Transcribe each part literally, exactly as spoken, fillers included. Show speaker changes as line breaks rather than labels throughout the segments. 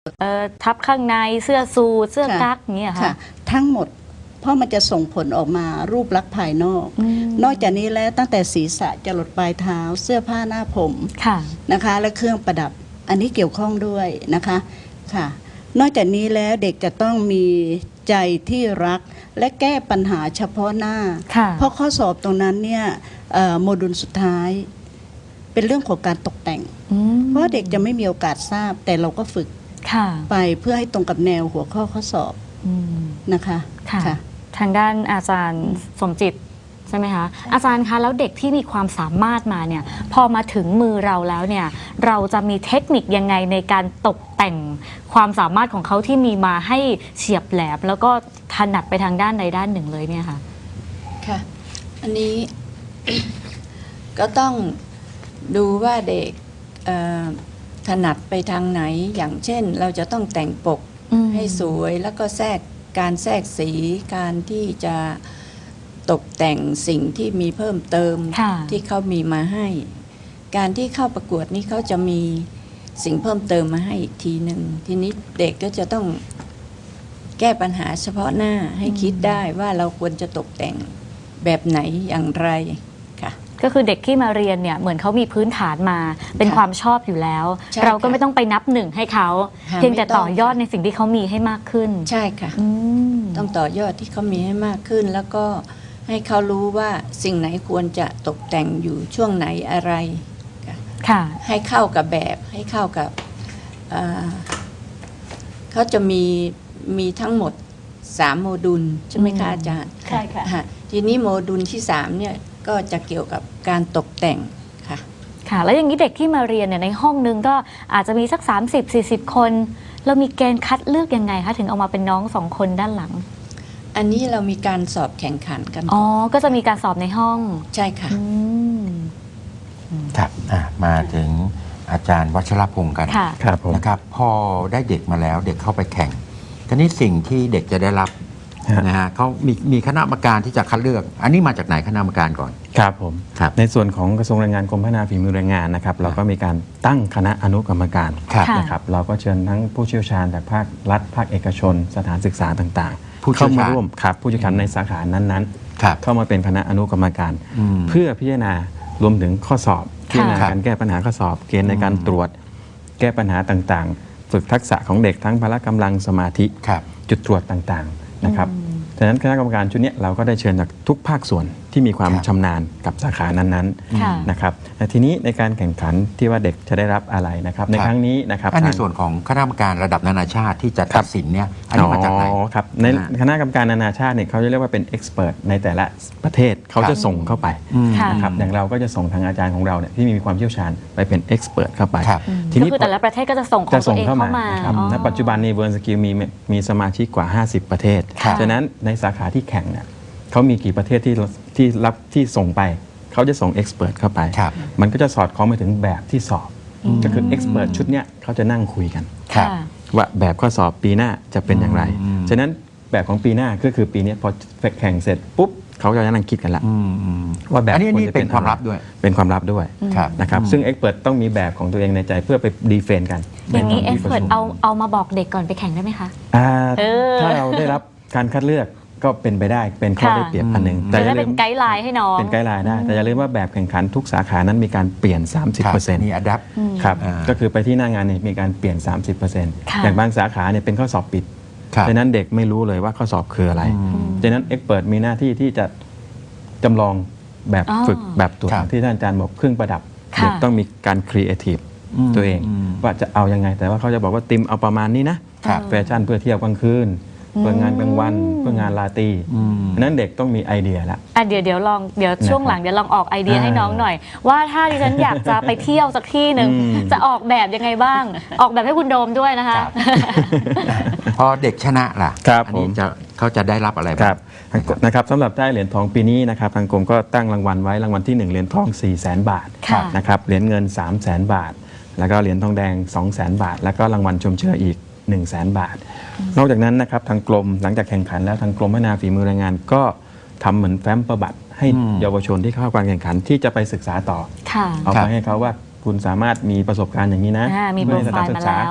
เอ่อทับข้างในเสื้อสูทเสื้อกั๊กอย่างเงี้ยค่ะ
ทั้งหมดเพราะมันจะส่งผลออกมารูปลักษณ์ภายนอกนอกจากนี้แล้วตั้งแต่ศีรษะจรดปลายเท้าเสื้อผ้าหน้าผมนะคะและเครื่องประดับอันนี้เกี่ยวข้องด้วยนะคะค่ะนอกจากนี้แล้วเด็กจะต้องมีใจที่รักและแก้ปัญหาเฉพาะหน้าเพราะข้อสอบตรงนั้นเนี่ยโมดูลสุดท้ายเป็นเรื่องของการตกแต่งเพราะเด็กจะไม่มีโอกาสทราบแต่เราก็ฝึกไปเพื่อให้ตรงกับแนวหัวข้อข้อสอบนะคะ
ทางด้านอาจารย์สมจิตใช่ไหมคะอาจารย์คะแล้วเด็กที่มีความสามารถมาเนี่ยพอมาถึงมือเราแล้วเนี่ยเราจะมีเทคนิคยังไงในการตกแต่งความสามารถของเขาที่มีมาให้เฉียบแหลมแล้วก็ถนัดไปทางด้านใดด้านหนึ่งเลยเนี่ยค่ะ
ค่ะอันนี้ ก็ต้องดูว่าเด็กถนัดไปทางไหนอย่างเช่นเราจะต้องแต่งปกให้สวยแล้วก็แทรกการแทรกสีการที่จะตกแต่งสิ่งที่มีเพิ่มเติมที่เขามีมาให้การที่เข้าประกวดนี้เขาจะมีสิ่งเพิ่มเติมมาให้อีกทีหนึ่งทีนี้เด็กก็จะต้องแก้ปัญหาเฉพาะหน้าให้คิดได้ว่าเราควรจะตกแต่งแบบไหนอย่างไรค่ะ
ก็คือเด็กที่มาเรียนเนี่ยเหมือนเขามีพื้นฐานมาเป็นความชอบอยู่แล้วเราก็ไม่ต้องไปนับหนึ่งให้เขาเพียงแต่ต่อยอดในสิ่งที่เขามีให้มากขึ้น
ใช่ค่ะต้องต่อยอดที่เขามีให้มากขึ้นแล้วก็ให้เขารู้ว่าสิ่งไหนควรจะตกแต่งอยู่ช่วงไหนอะไรค่ะให้เข้ากับแบบให้เข้ากับเขาจะมีมีทั้งหมดสามโมดูลใช่ไหมคะอาจารย์
ใช่ค่ะ
ทีนี้โมดูลที่สามเนี่ยก็จะเกี่ยวกับการตกแต่งค่ะ
ค่ะแล้วอย่างนี้เด็กที่มาเรียนเนี่ยในห้องนึงก็อาจจะมีสัก สามสิบสี่สิบ คนเรามีเกณฑ์คัดเลือกยังไงคะถึงเอามาเป็นน้องสองคนด้านหลัง
อันนี้เรามีการสอบแข่งขันกัน
อ๋อก็จะมีการสอบในห้อง
ใช่ค่ะ
ครับมาถึงอาจารย์วัชรพงศ์กัน
ครับผม
นะครับพอได้เด็กมาแล้วเด็กเข้าไปแข่งทีนี้สิ่งที่เด็กจะได้รับนะฮะเขามีมีคณะกรรมการที่จะคัดเลือกอันนี้มาจากไหนคณะกรรมการก่อน
ครับผมในส่วนของกระทรวงแรงงานกรมพัฒนาฝีมือแรงงานนะครับเราก็มีการตั้งคณะอนุกรรมการนะครับเราก็เชิญทั้งผู้เชี่ยวชาญจากภาครัฐภาคเอกชนสถานศึกษาต่างๆเข้ามาร่วมครับผู้เชี่ยวชาญในสาขานั้นๆเข้ามาเป็นคณะอนุกรรมการเพื่อพิจารณารวมถึงข้อสอบพิจารณาการแก้ปัญหาข้อสอบเกณฑ์ในการตรวจแก้ปัญหาต่างๆฝึกทักษะของเด็กทั้งพละกำลังสมาธิจุดตรวจต่างๆนะครับฉะนั้นคณะกรรมการชุดนี้เราก็ได้เชิญจากทุกภาคส่วนที่มีความชำนาญกับสาขานั้นๆนะครับทีนี้ในการแข่งขันที่ว่าเด็กจะได้รับอะไรนะครับในครั้งนี้นะครับ
ในส่วนของคณะกรรมการระดับนานาชาติที่จะตัดสินเนี่ยอันนี้มาจากไหน
ครับในคณะกรรมการนานาชาติเนี่ยเขาจะเรียกว่าเป็นเอ็กซ์เพรสในแต่ละประเทศเขาจะส่งเข้าไปนะครับอย่างเราก็จะส่งทางอาจารย์ของเราเนี่ยที่มีความเชี่ยวชาญไปเป็นเอ็กซ์เพรสเข้าไป
ทีนี้แต่ละประเทศก็จะส่งของตัวเองเข้ามา
ณปัจจุบันนี้เวิร์นสกิลมีมีสมาชิกกว่าห้าสิบประเทศฉะนั้นในสาขาที่แข่งเนี่ยเขามีกี่ประเทศที่ที่รับที่ส่งไปเขาจะส่งเอ็กซ์เพรสเข้าไปมันก็จะสอดคล้องไปถึงแบบที่สอบก็คือเอ็กซ์เพรสชุดเนี้ยเขาจะนั่งคุยกันว่าแบบข้อสอบปีหน้าจะเป็นอย่างไรฉะนั้นแบบของปีหน้าก็คือปีนี้พอแข่งเสร็จปุ๊บเขาจะนั่งคิดกันละว่าแบบ
นี้เป็นความลับด้วย
เป็นความลับด้วยนะครับซึ่งเอ็กซ์เพรสต้องมีแบบของตัวเองในใจเพื่อไปดีเฟนต์กัน
อย่างนี้เอ็กซ์เพรสเอาเอามาบอกเด็กก่อนไปแข่งได้ไหมคะ
ถ้าเราได้รับการคัดเลือกก็เป็นไปได้เป็นข้อได้เปรียบอันหนึ่ง
แต่จะเป็นไกด์ไลน์ให้น้อง
เป็นไกด์ไลน์ได้แต่อย่าลืมว่าแบบแข่งขันทุกสาขานั้นมีการเปลี่ยน สามสิบเปอร์เซ็นต์
มีอัดแอป
ครับก็คือไปที่หน้างานเนี่ยมีการเปลี่ยน สามสิบเปอร์เซ็นต์ อย่างบางสาขาเนี่ยเป็นข้อสอบปิดดังนั้นเด็กไม่รู้เลยว่าข้อสอบคืออะไรดังนั้นเอ็กซ์เพรสมีหน้าที่ที่จะจำลองแบบฝึกแบบตรวจที่ท่านอาจารย์บอกเครื่องประดับเด็กต้องมีการครีเอทีฟตัวเองว่าจะเอายังไงแต่ว่าเขาจะบอกว่าติมเอาประมาณนี้นะแฟชั่นเพื่อเที่ยวกลางคืนเพื่องานกลางวันเพื่องานลาตรีนั้นเด็กต้องมีไอเดียละ
อ่ะเดี๋ยวเดี๋ยวลองเดี๋ยวช่วงหลังเดี๋ยวลองออกไอเดียให้น้องหน่อยว่าถ้าดิฉันอยากจะไปเที่ยวสักที่หนึ่งจะออกแบบยังไงบ้างออกแบบให้คุณโดมด้วยนะคะ
พอเด็กชนะล่ะ
อันนี้
จะเขาจะได้รับอะไรบ้าง
นะครับสำหรับได้เหรียญทองปีนี้นะครับทางกรมก็ตั้งรางวัลไว้รางวัลที่หนึ่งเหรียญทอง สี่แสน บาทนะครับเหรียญเงิน สามแสน บาทแล้วก็เหรียญทองแดง สองแสน บาทแล้วก็รางวัลชมเชยอีกหนึ่งแสน บาทนอกจากนั้นนะครับทางกรมหลังจากแข่งขันแล้วทางกรมพัฒนาฝีมือแรงงานก็ทำเหมือนแฟ้มประบัติให้เยาวชนที่เข้าการแข่งขันที่จะไปศึกษาต่อเอาไปให้เขาว่าคุณสามารถมีประสบการณ์อย่างนี้นะ
มีโปรไฟล์มาแล้ว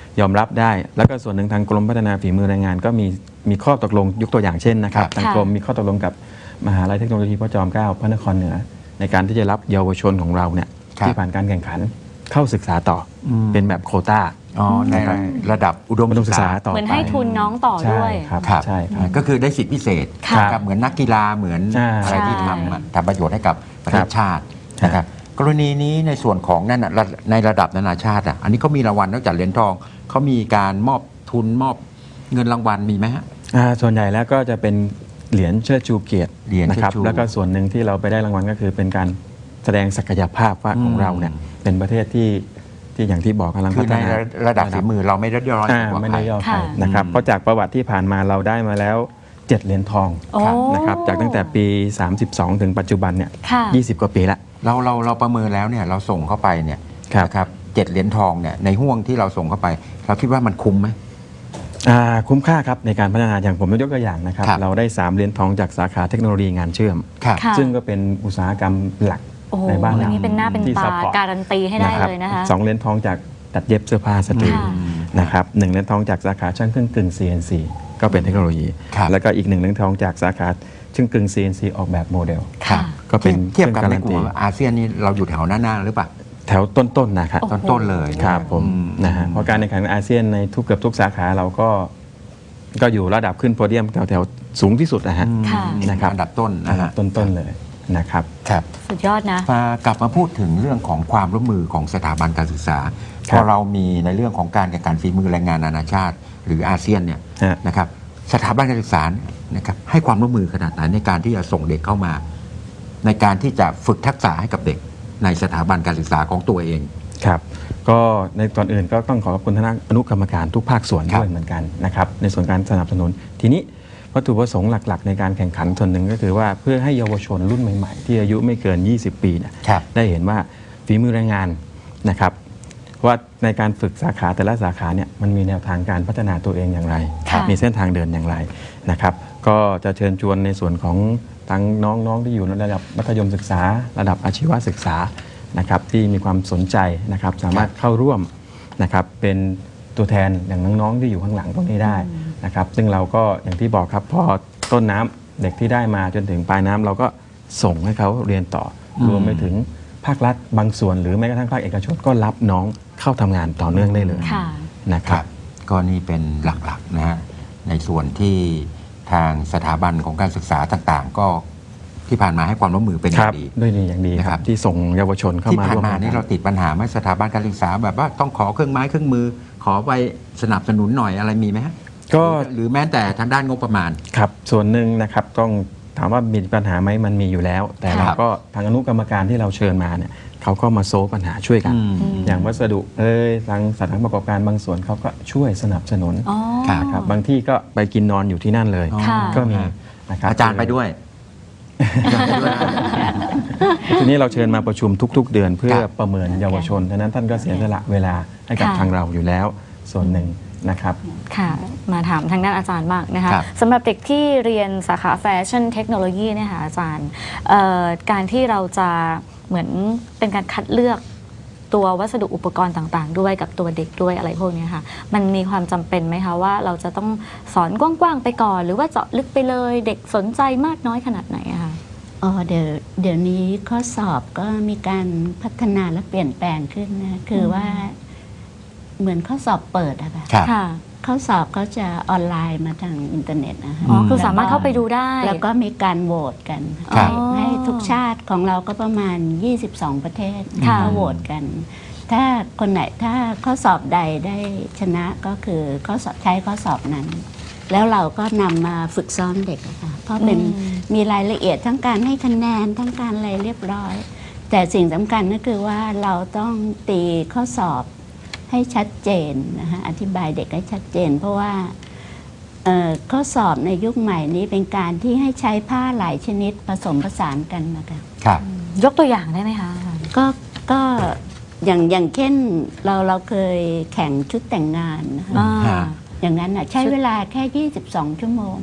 ยอมรับได้ แล้วก็ส่วนหนึ่งทางกรมพัฒนาฝีมือแรงงานก็มีมีข้อตกลงยกตัวอย่างเช่นนะครับ
ครับ
ทางกรมมีข้อตกลงกับมหาลัยเทคโนโลยีพระจอมเกล้าพระนครเหนือ ในการที่จะรับเยาวชนของเราเนี่ย
ครับ
ที่ผ่านการแข่งขันเข้าศึกษาต่ออ
ม
เป็นแบบโควต้า
อ๋อในระดับอุดม
อุดมศึ
ศึ
ก
ก
ษา
ษา
ต่อ
เหมือน
ไป
ให้ทุนน้องต่อ
ใช่
ด้วย
ครับ
ครับ
ใช่ครับ
ก็คือได้สิทธิพิเศษ
ค่ะ
นะครับเหมือนนักกีฬาเหมือน
ใช่
อะไรที่
ใช่
ทำอะทำประโยชน์ให้กับประเท
ครั
ศ
บ
ชาตินะครับกรณีนี้ในส่วนของนั่นน่ะระในระดับนานาชาติอ่ะอันนี้เขามีรางวัลนอกจากเหรียญทองเขามีการมอบทุนมอบเงินรางวัลมีไหมฮะ
อ่าส่วนใหญ่แล้วก็จะเป็นเหรียญเชิดชูเกียรติ
เหรียญ
นะครับ
เชิดชู
แล้วก็ส่วนหนึ่งที่เราไปได้รางวัลก็คือเป็นการแสดงศักยภาพว่า
อืม
ของเราเนี่ยเป็นประเทศที่ที่อย่างที่บอกกำลัง
คื
พั
อ
ฒ
ใน
นา
ระดับฝีมือเราไม่ได้ย่อย
อ่า
กว่า
ไม่
ใคร
ได้ย่อใคร
ค่ะ
นะครับ
อืม
เพราะจากประวัติที่ผ่านมาเราได้มาแล้วเจ็ดเหรียญทอง
โอ้
นะครับจากตั้งแต่ปี สามสิบสอง ถึงปัจจุบันเนี่ย
ค่ะ
ยี่สิบกว่าปีละ
เราเราเราประเมินแล้วเนี่ยเราส่งเข้าไปเนี่ย
ครับ
นะครับเจ็ดเหรียญทองเนี่ยในห่วงที่เราส่งเข้าไป เราคิดว่ามันคุ้มไหม
อ่าคุ้มค่าครับในการพัฒนาอย่างผมยกตัวอย่างนะครับ
ครับ
เราได้สามเหรียญทองจากสาขาเทคโนโลยีงานเชื่อม
ครับ
ค่ะ
ซึ่งก็เป็นอุตสาหกรรมหลัก
โอ้โห
ในบ้าน
อั
เรา
นนี้เป็นหน้าเป็น
ที่
ตา
support
การันตีให้ได้เลยนะคะ
สองเหรียญทองจากตัดเย็บเสื้อผ้าสตรี
ค่ะ
นะครับหนึ่งเหรียญทองจากสาขาช่างเครื่องกึ่ง ซี เอ็น ซี ก็เป็นเทคโนโลยี
ครับ
แล้วก็อีกหนึ่งเหรียญทองจากสาขาช่างกึ่ง ซี เอ็น ซี ออกแบบโมเดล
ค่ะ
ก็เป็น
เทียบกับ
ค
ใน
รื่อง
กลุ่มอาเซียนนี่เราอยู่แถวหน้าๆหรือเปล่า
แถวต้นๆนะครับ
โอ้โห
ต้นๆเลยนะครับ
ผม
อืม
นะฮะเพราะการแข่งขันอาเซียนในทุกเกือบทุกสาขาเราก็ก็อยู่ระดับขึ้นโพเดียมแถวๆสูงที่สุดนะฮะ
ค่ะ
นะครับ
อันดับต้นนะฮะ
ต้นๆเลยนะครับ
ครับ
สุดยอดนะ
มากลับมาพูดถึงเรื่องของความร่วมมือของสถาบันการศึกษา
ครับ
พอเรามีในเรื่องของการแข่งขันฝีมือแรงงานนานาชาติ หรืออาเซียนเนี่ย
ฮะ
นะครับสถาบันการศึกษานะครับให้ความร่วมมือขนาดไหนในการที่จะส่งเด็กเข้ามา ในการที่จะฝึกทักษะให้กับเด็กในสถาบันการศึกษาของตัวเอง
ครับก็ในตอนอื่นก็ต้องขอขอบคุณคณะอนุกรรมการทุกภาคส่วน
ครับ
ด้วยเหมือนกันนะครับในส่วนการสนับสนุน ทีนี้วัตถุประสงค์หลักๆ ในการแข่งขันส่วนหนึ่งก็คือว่าเพื่อให้เยาวชนรุ่นใหม่ๆ ที่อายุไม่เกิน ยี่สิบ ปีเนี่ย
ครับ
ได้เห็นว่าฝีมือแรงงานนะครับว่าในการฝึกสาขาแต่ละสาขาเนี่ยมันมีแนวทางการพัฒนาตัวเองอย่างไร
ค่ะ
มีเส้นทางเดินอย่างไรนะครับก็จะเชิญชวนในส่วนของทั้งน้องๆที่อยู่ในระดับมัธยมศึกษา ระดับอาชีวศึกษานะครับที่มีความสนใจนะครับสามารถเข้าร่วมนะครับเป็นตัวแทนอย่างน้องๆที่อยู่ข้างหลังตรงนี้ได้นะครับซึ่งเราก็อย่างที่บอกครับพอต้นน้ำเด็กที่ได้มาจนถึงปลายน้ำเราก็ส่งให้เขาเรียนต่ออ
ม
รวมไปถึงภาครัฐบางส่วน หรือแม้กระทั่งภาคเอกชนก็รับน้องเข้าทำงานต่อเนื่องได้เลย
ค่ะ
นะค
ค
รั
รับ บก็นี่เป็นหลักๆนะฮะในส่วนที่ทางสถาบันของการศึกษาต่างๆ ก็ที่ผ่านมาให้ความร่วมมือเป็นอ
ค
ย่า
รับ
งดี
ด้วยดีอย่างดีค
นะครั
รับบ ที่ส่งเยาวชนเข้า
ที่
มา
ผ่าน
ร่วม
มา
กัน
นี่เราติดปัญหาไหมสถาบันการศึกษาแบบว่าต้องขอเครื่องไม้เครื่องมือ ขอไปสนับสนุนหน่อยอะไรมีไหมฮะ
ก็
หรือแม้แต่ทางด้านงบประมาณ
ครับส่วนหนึ่งนะครับต้องถามว่ามีปัญหาไหมมันมีอยู่แล้ว แต่
ครับ
เราก็ทางอนุกรรมการที่เราเชิญมาเนี่ยเขาก็มาโซฟปัญหาช่วยกัน
อืม
อย่างวัสดุเอ้ยทางสถานประกอบการบางส่วนเขาก็ช่วยสนับสนุน
อ๋อ
ครับ
นะครับบางที่ก็ไปกินนอนอยู่ที่นั่นเลย
อ๋อ
ค่ะ
ก็มีนะครับ
อาจารย์ไปด้วยอาจารย์ไปด้วยนะ
ทีนี้เราเชิญมาประชุมทุก ๆ เดือนเพื่อ
ครับ
ประเมินเยาวชนฉะนั้นท่านก็เสียสละเวลาให้กับ
ค่ะ
ทางเราอยู่แล้วส่วนหนึ่งนะครับ
ค่ะ มาถามทางด้านอาจารย์บ้างนะคะ
ครับ
สำหรับเด็กที่เรียนสาขาแฟชั่นเทคโนโลยีเนี่ยค่ะอาจารย์เอ่อการที่เราจะเหมือนเป็นการคัดเลือกตัววัสดุอุปกรณ์ต่างๆ ด้วยกับตัวเด็กด้วยอะไรพวกเนี้ยค่ะมันมีความจำเป็นไหมคะว่าเราจะต้องสอนกว้างๆไปก่อน หรือว่าเจาะลึกไปเลยเด็กสนใจมากน้อยขนาดไหนอะคะ
อ๋อเดี๋ยวเดี๋ยวนี้ข้อสอบก็มีการพัฒนาและเปลี่ยนแปลงขึ้นนะคือว่าเหมือนข้อสอบเปิดอะค่ะ
ครับ
ค่ะ
ข้อสอบเขาจะออนไลน์มาทางอินเทอร์เน็ตนะคะ
อ๋อคือสามารถเข้าไปดูได้
แล้วก็มีการโหวตกัน
ครับ
ให้ให้ทุกชาติของเราก็ประมาณ ยี่สิบสอง ประเทศ
ค่ะ
ก็โหวตกัน ถ้าคนไหนถ้าข้อสอบใดได้ชนะก็คือข้อสอบใช้ข้อสอบนั้น แล้วเราก็นำมาฝึกซ้อมเด็กอะค่ะเพราะเป็น
อืม
มีรายละเอียดทั้งการให้คะแนนทั้งการอะไรเรียบร้อย แต่สิ่งสำคัญก็คือว่าเราต้องตีข้อสอบให้ชัดเจนนะคะอธิบายเด็กให้ชัดเจน เพราะว่าเอ่อข้อสอบในยุคใหม่นี้เป็นการที่ให้ใช้ผ้าหลายชนิดผสมผสานกันนะคะ
ครับ
ยกตัวอย่างได้ไหมคะอาจารย์
ก็ก็อย่างอย่างเช่นเราเราเคยแข่งชุดแต่งงานนะคะ
อ่า
ฮะ
อย่างนั้นน่ะใช้เวลาแค่ ยี่สิบสอง ชั่วโมง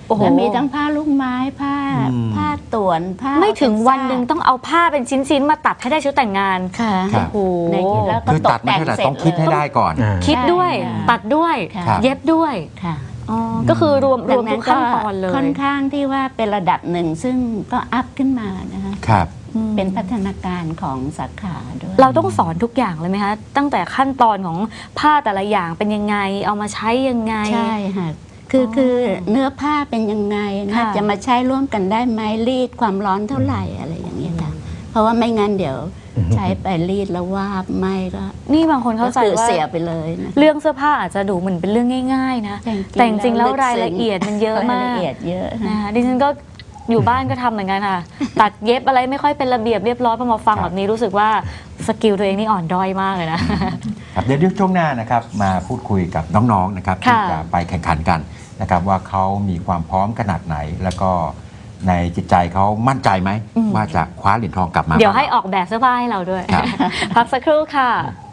โอ้โห
แล้วมีทั้งผ้าลูกไม้ผ้า
อืม
ผ้าต่วนผ้า
ไม่ถึง
ออร์แก
วันหนึ่งต้องเอาผ้าเป็นชิ้นๆมาตัดให้ได้ชุดแต่งงาน
ค่ะ
ครับ
โอ้โห
ในแล้วก็
คือ
ต
ตั
ก
ดไม่
แต่ง
ใช่แต่
เสร็จ
ต้องคิดให้
เลย
ได้ก่อน
อ่า
คิดด้วย
ใช่ค่ะ
ตัดด้วย
ค่ะ
เย็บด้วย
ค่ะ
อ๋อก็คือรวมรวม
ดั
ทุ
ง
กขั้นตอนเลย
ค่อนข้างที่ว่าเป็นระดับหนึ่งซึ่งก็อัพขึ้นมานะคะ
ครับ
อืม
เป็นพัฒนาการของสาขาด้วย
เราต้องสอนทุกอย่างเลยไหมคะ ตั้งแต่ขั้นตอนของผ้าแต่ละอย่างเป็นยังไง เอามาใช้ยังไง
ใช่ค่ะคืออ
อ
คือเนื้อผ้าเป็นยังไงนะ
ค่ะ
จะมาใช้ร่วมกันได้ไหมรีดความร้อนเท่าไหร่อะไรอย่างเงี้ยค่ะเพราะว่าไม่งั้นเดี๋ยวใช้ไปรีดแล้ววาบไหมก็
นี่บางคนเข้าใจ
ก็คือ
ว่า
เสียไปเลยนะ
เรื่องเสื้อผ้าอาจจะดูเหมือนเป็นเรื่องง่าย ๆ นะ แต่จริงๆแล้วรายละเอียดมันเยอะมาร
าย
ก
ละเอียดเยอะ
นะคะดิฉันก็อยู่บ้านก็ทำเหมือนกันค่ะ ตัดเย็บอะไรไม่ค่อยเป็นระเบียบเรียบร้อยพอมาฟัง
ครับ
แบบนี้รู้สึกว่าสกิลตัวเองนี่อ่อนด้อยมากเลยนะ
ครับเดี๋ยวช่วงหน้านะครับมาพูดคุยกับน้องๆนะครับที่
ค่ะ
จะไปแข่งขันกันนะครับว่าเขามีความพร้อมขนาดไหน แล้วก็ในจิตใจเขามั่นใจไหมว่าจะคว้าเหรียญทองกลับมา
เดี๋ยวให้ออกแบบเสื้อผ้าให้เราด้วย
ครับ
พักสักครู่ค่ะ